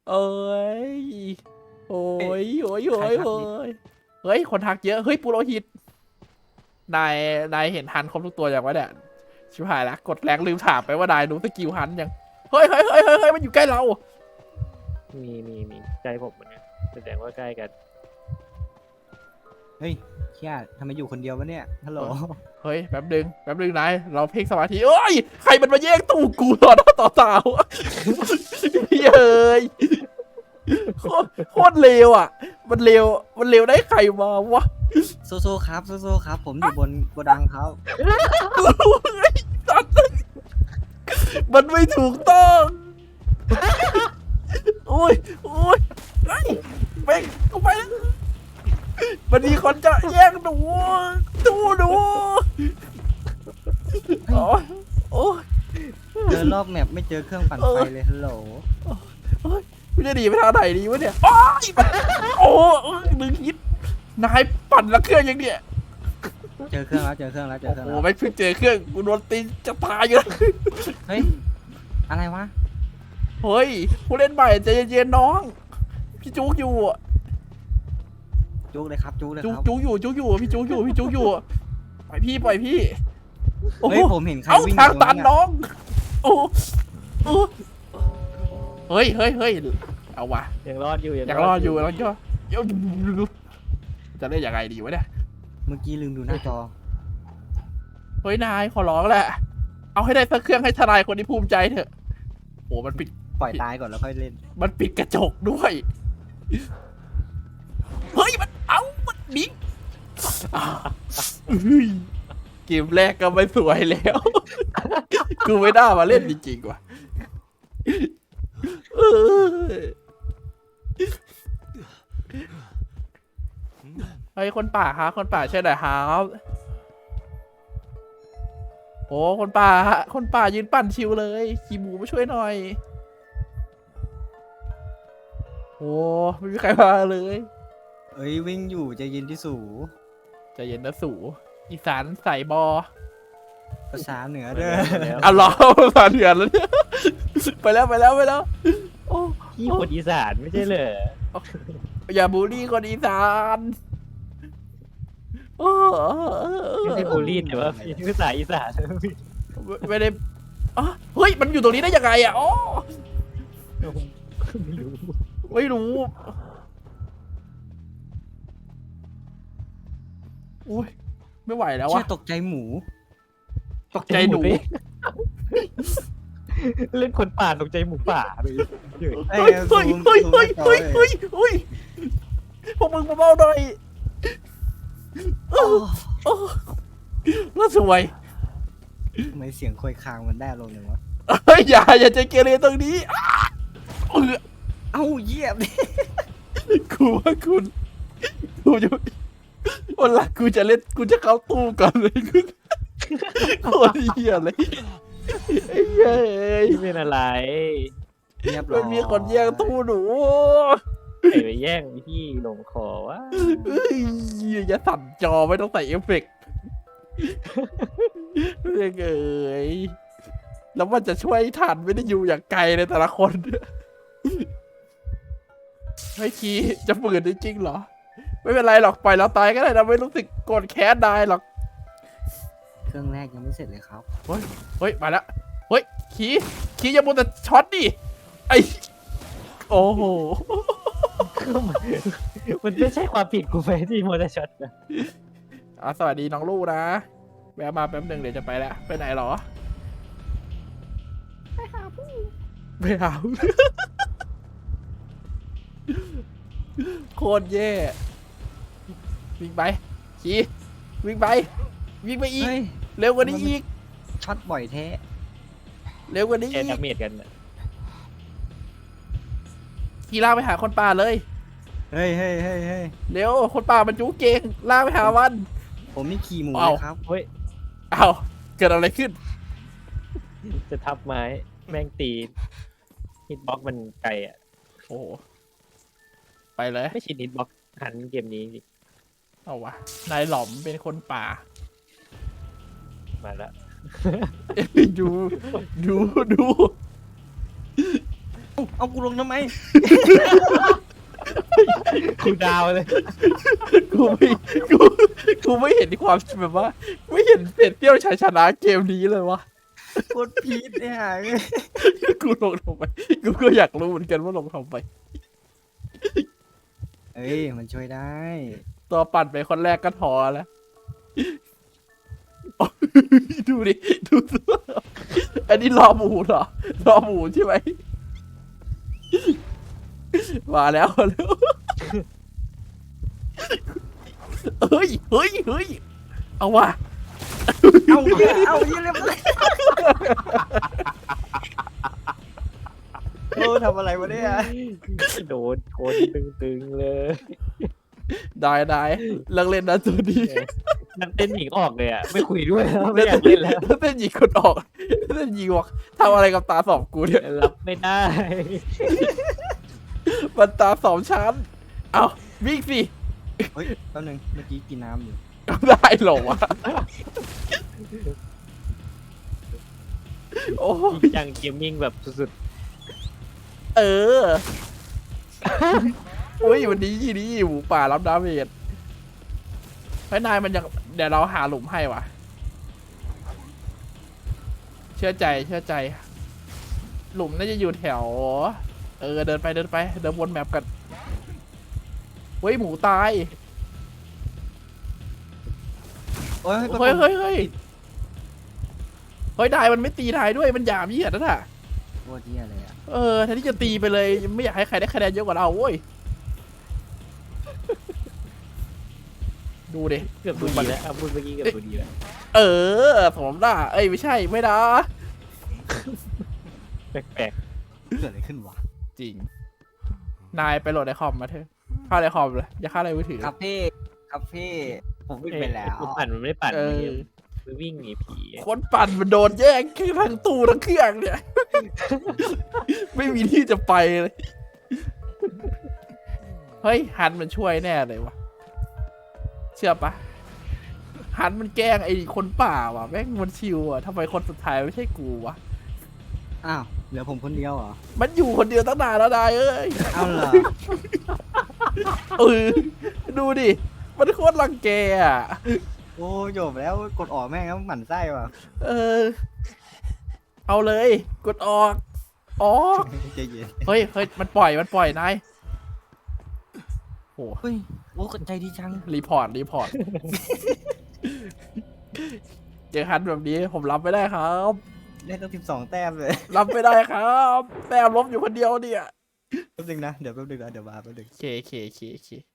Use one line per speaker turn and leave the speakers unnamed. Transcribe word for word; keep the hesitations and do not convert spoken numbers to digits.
เอ้ยโอ้ยโอ้ยโอ้ยโอ้ยเฮ้ยคนทักเยอะเฮ้ยปุโรหิตนายนายเห็นฮันครบทุกตัวอย่างวะเนี่ยชิบหายละกดแรงลืมถามไปว่านายรู้สกิลฮันยังเฮ้ยเฮ้ยเฮ้ยเฮ้ยมันอยู่ใกล้เรา
มีมีมีใกล้ผมเหมือนกันแสดงว่าใกล้กัน
เฮ้ยเชี่ยทำไมอยู่คนเดียววะเนี่ยฮัลโหล
เฮ้ยแป๊บนึงแป๊บนึงนายเราเพ่งสมาธิเอ้ยใครมันมาแย่งตู้กูต่อหน้าต่อตาเฮ้ยโคตรโคตรเลวอ่ะมันเลวมันเลวได้ใครมาวะ
โซโซครับโซโซครับผมอยู่บนโกดังครับ
มันไม่ถูกต้องโอ้ยโอ้ยไอ้แม่งกูไปแล้วมันมีคนจะแย่งหนูดูหนูโอ้ยโอ้ย
เจอรอบแมปไม่เจอเครื่องปั่นไฟเลยฮัลโหล
โอ้ยไม่ได้ดีไปทางไหนดีวะเนี่ยโอ้ยมันโอ้ยมึงคิดนายปั่นละเครื่องยังเนี่ย
เจอเครื่องแล้วเจอเครื่องแล้วเจอเครื่อง
โอ้
แล้ว
ไม่เพิ่งเจอเครื่องกูโดนตีจะตายอยู่
เฮ้ยอะไรวะ
เฮ้ยผู้เล่นใหม่ใจเย็นๆน้องพี่จุกอยู่
จุกเลยครับจุกเลย
จุ
ค
ก
รับ
จุกอยู่จุกอยู่พี่จุกอยู่พี่จุกอยู่ปล่อยพี่ปล่อยพี่โอ้
เฮ้ยผมเห็นใคร
เอ้า
วิ่ง
ทางตัน
อยู่
น้องโอ้โอ้เฮ้ยเฮ้ยเฮ้ยเอาวะ
ยังรอดอยู่
อยากรอดอยู่แล้วก็จะเล่นยังไงดีวะเนี่ย
เมื่อกี้ลืมดูหน้าจอ
เฮ้ยนายขอร้องแหละเอาให้ได้สักเครื่องให้ทนายคนที่ภูมิใจเถอะโอ้มันปิด
ปล่อยตายก่อนแล้วค่อยเล่น
มันปิดกระจกด้วยเฮ้ยมันเอามันบิงเกมแรกก็ไม่สวยแล้วกูไม่ได้มาเล่นจริงๆว่ะเฮ้ยคนป่าครับคนป่าใช่ไหมครับโอ้คนป่าคนป่ายืนปั่นชิวเลยขี่หมูมาช่วยหน่อยโอ้ไม่มีใครมาเลย
เอ้ยวิ่งอยู่ใจเย็นที่สู
ใจเย็นนะสูอีสานใส่บอ
ภาษาเหนือเด้อ
อ่ะรอภาษาเหนือแล้วเนี่ยไปแล้วไปแล้วไปแล้วโอ้
พี่คนอีสานไม่ใช่เหรอ
อย่าบูลลี่คนอีสานโอ้
ไม่ใช่บูลลี่แต่ว่าพี่ภาษาอีสาน
ไม่ได้อ๋อเฮ้ยมันอยู่ตรงนี้ได้ยังไงอ่ะอ๋อ
ไม่รู้
ไม่รู้อุ้ยไม่ไหวแล้ว
เชี่
อะ
ยตกใจหมู
ตกใจหนู
เล่นคนป่าตกใจหมูป่าเลย
เฮ้
เฮ้
ย
ยเฮ้ยเฮ้ยเฮ้ยเฮ้ยเฮ้ยเฮ้ยพวกมึงมาเบาหน่อยโอ้น่าสวย
ทำไมเสียงคอยคางมันได้ลงเลยวะ
เฮ้ยอย่าอย่าใจเกเรตรงนี้อ้าเออ
เอ้าเยี่ยมดิ
กูว่าคุณกูจะวันหลังกูจะเล่นกูจะเข้าตู้ก่อนเลยกูโคตรเหี้ยเลยไอ้เหี้ยเอ้ย
พี่เป็นอะไร
เรียบร้
มั
อน ย
มีคนแย่งตู้หนู
ใครไปแย่งพี่ลงคอวะ
เอ้ยอย่าสั่นจอไม่ต้องใส่เอฟเฟกต์เรื่องเอ้ยแล้วมันจะช่วยทันไม่ได้อยู่อย่างไกลเลยแต่ละคนเฮ้ยคีจะฝืนจริงๆเหรอ ไม่เป็นไรหรอกปล่อยเราตายก็ได้นะไม่รู้สึกโกรธแค้นนายหรอก
เครื่องแรกยังไม่เสร็จเลยครับ
เฮ้ยเฮ้ยมาแล้วเฮ้ยคีคีอย่ามัวแต่ช็อตดิไอโอ้โห
มันไม่ใช่ความผิดกูไหมที่มอเตอร์ช็อตนะ
อ่ะสวัสดีน้องลูกนะแวะมาแป๊บหนึ่งเดี๋ยวจะไปแล้วไปไหนหรอไปหาผู้ไปหาโคตรแย่วิ่งไปขี่วิ่งไปวิ่งไปอีก
เฮ้ย
เร็วกว่านี้อีก
ช็อตบ่อยแท้
เร็วกว่านี้
แค่
อีก
ดาเมจกันน่ะ
ขี่ลากไปหาคนป่าเลย
เฮ้ยเฮ้ยเฮ้ยเฮ้ย
เร็วคนป่ามันจูเก่งลากไปหามัน
ผมนี่ขี่หมู
เอา
เลยครับ
เฮ้ย
อ้าวเกิดอะไรขึ้น
จะทับไม้แม่งตีฮิตบ็อกมันไกลอ่ะ
โอ้โหไปเลย
ไม่ชินฮิตบ็อกหันเกมนี้
เอาวะนายหล่อมเป็นคนป่า
มาแล้ว
ดูดูดู
เอากูลงทำไม
คูดาวเลย
กูไม่กูกูไม่เห็นความแบบว่า ไม่เห็นเศษเตี้ยวชัยชนะเกมนี้เลยวะ
กดพีดเนี่ย
กูลงทำไมกูก็อยากรู้เหมือนกันว่าลงทำไม
เอ้ยมันช่วยได้
ตัวปั่นไปคนแรกก็ท้อแล้ว ดูดิดูตัวอันนี้รอหมูเหรอรอหมูใช่ไหมมาแล้วมาแล้วเฮ้ยเฮ้ยเฮ้ยเอาว่ะ
เอาเหี้ยเอาเหี้ยเรียบร้อยโอ้ทำอะไรวะเนี่ย
โดนชนตึงๆเลย
ได้ได้เลิกเล่นนะตัวนี้
นักเต้นหญิงออกเลยอ่ะไม่คุยด้วยแล้วไม่อยากเล่นแล้ว
เต้นยิงคนออกเต้นยิงบอกทำอะไรกับตาสองกูเนี่ย
รับไม่ได้
มันตาสองชั้นเอาวิ่งสิ
เฮ้ยแป๊บนึงเมื่อกี้กินน้ำอยู่
ได้เหรอวะโอ้
จริ
ย
งจังเกมมิ่งแบบสุด
เออโอ้ยวันนี้นี่หมูป่ารับดาเมจเฮ้ยนายมันยังเดี๋ยวเราหาหลุมให้ว่ะ เชื่อใจเชื่อใจ หลุมน่าจะอยู่แถว เออเดินไปเดินไปเดินวนแมปกันเฮ้ยหมูตาย
โอ้ย
เฮ้ยเฮ้ยเฮ้ยเฮ้ยนายมันไม่ตีนายด้วยมันหยามเหยียดนั่นน่ะ
โคตรเหี้ยเลยอ่ะ
เออแทนที่จะตีไปเลยไม่อยากให้ใครได้คะแนนเยอะกว่าเราโว้ยดูดิ
ๆเกือบดูดีแล้วอ่ะพูดเมื่อกี้เกือบดูดีแล้ว
เออสมด่าเอ้ยไม่ใช่ไม่นะ
แปลก
เกิดอะไรขึ้นวะ
จริง นายไปโหลดในคอมมาเถอะเข้าในคอมเลยอย่าเข้าในมือถือ
คาเฟ่คาเฟ่ผม
ๆ
วิ่งไปแล้ว
กูปั่นมันไม่ได้ปั่น
เออ
มันวิ่งหนีผี
คนปั่นมันโดนแย่งคือทั้งตู้ทั้งเครื่องเนี่ย ไม่มีที่จะไปเลย เฮ้ยฮันมันช่วยแน่เลยวะเชื่อปะฮันมันแกล้งไอ้คนป่าว่ะแม่งมันชิวอ่ะทำไมคนสุดท้ายไม่ใช่กูวะ
อ้าวเหลือผมคนเดียวเหรอ
มันอยู่คนเดียวตั้งนานแล้วนายเอ้ย
เอาเหรอ
เออดูดิ มันโคตรรังแกอ่ะ
โอ้จบแล้วกดออกแม่งแล้วหมั่นไส้ว่ะ
เออ เอาเลย กดออก ออก
ใจเย็น
เฮ้ยเฮ้ยมันปล่อย มันปล่อยนายโห
เฮ้ยโอ้ใจดีจัง
รีพอร์ต รีพอร์ต เจอฮันแบบนี้ผมรับไม่ได้ครับ
ได้ตั้งสิบสองแต้มเลย
รับไม่ได้ครับ แต้มลบอยู่คนเดียวเนี่ย
แป๊บนึงนะเดี๋ยวแป๊บนึงนะเดี๋ยวมาแป๊บนึง
เคเคเคเค